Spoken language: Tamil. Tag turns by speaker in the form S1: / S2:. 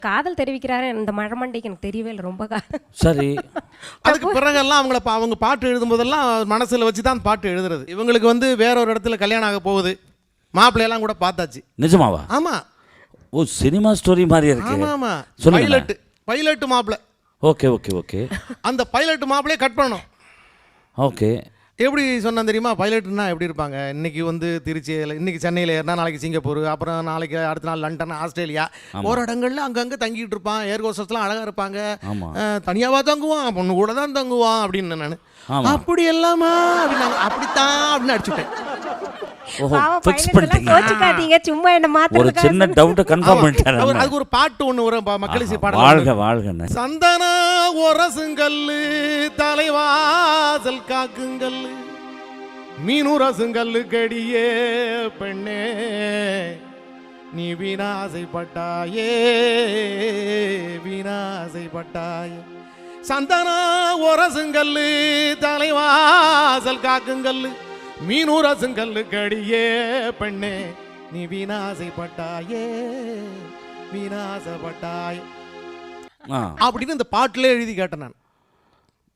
S1: காதல் தெரிவிக்கிறாரு இந்த மழமண்டைக்கு எனக்கு தெரியவே இல்லை ரொம்ப
S2: சரி.
S3: அதுக்கு பிறகெல்லாம் அவங்க பாட்டு எழுதும்போதெல்லாம் மனசில் வச்சு தான் பாட்டு எழுதுறது. இவங்களுக்கு வந்து வேற ஒரு இடத்துல கல்யாணம் ஆக போகுது, மாப்பிள்ளையெல்லாம் கூட பார்த்தாச்சு.
S2: நிஜமாவா?
S3: ஆமாம்.
S2: ஓ, சினிமா ஸ்டோரி மாதிரி இருக்கு.
S3: ஆமாம் ஆமாம்.
S2: சொல்லுங்க.
S3: பைலட் மாப்பிள்ளை.
S2: Okay okay okay.
S3: அந்த பைலட் மாப்பிள்ளையே கட் பண்ணணும்.
S2: ஓகே.
S3: எப்படி சொன்னா தெரியுமா? பைலட்னா எப்படி இருப்பாங்க? இன்னைக்கு வந்து திருச்சியில், இன்னைக்கு சென்னையில் ஏறினா நாளைக்கு சிங்கப்பூர், அப்புறம் நாளைக்கு அடுத்த நாள் லண்டன், ஆஸ்திரேலியா, ஒரு இடங்கள்ல அங்கங்கே தங்கிட்டு இருப்பான். ஏர் ஹோஸ்டஸ்லாம் அழகாக இருப்பாங்க. தனியாவா தங்குவான், பொண்ணு கூட தான் தங்குவான் அப்படின்னு நான் அப்படி எல்லாமா அப்படின்னாங்க. அப்படித்தான் அப்படின்னு அடிச்சுட்டேன்.
S1: சும்மா என்ன மாத்த
S2: ஒரு சின்ன டவுட் கன்ஃபார்ம் பண்ணிட்டாரு.
S3: அதுக்கு ஒரு பாட்டு ஒன்று வரும், மக்களை பாடல்.
S2: வாழ்க வாழ்க.
S3: சந்தன ஒரசுங்கல்லு தலைவாசல் காக்குங்கல், மீனுரசுங்கல்லு கடியே பெண்ணே நீ வீணாசைப்பட்டாயே வீணாசைப்பட்டாயே. சந்தன ஒரசுங்கல்லு தலைவாசல் காக்குங்கல்லு, மீனுரசுங்கல்லு கடியே பெண்ணே நீ வீணாசைப்பட்டாயே வீணாசைப்பட்டாயே அப்படின்னு இந்த பாட்டிலே எழுதி கேட்டேன் நான்.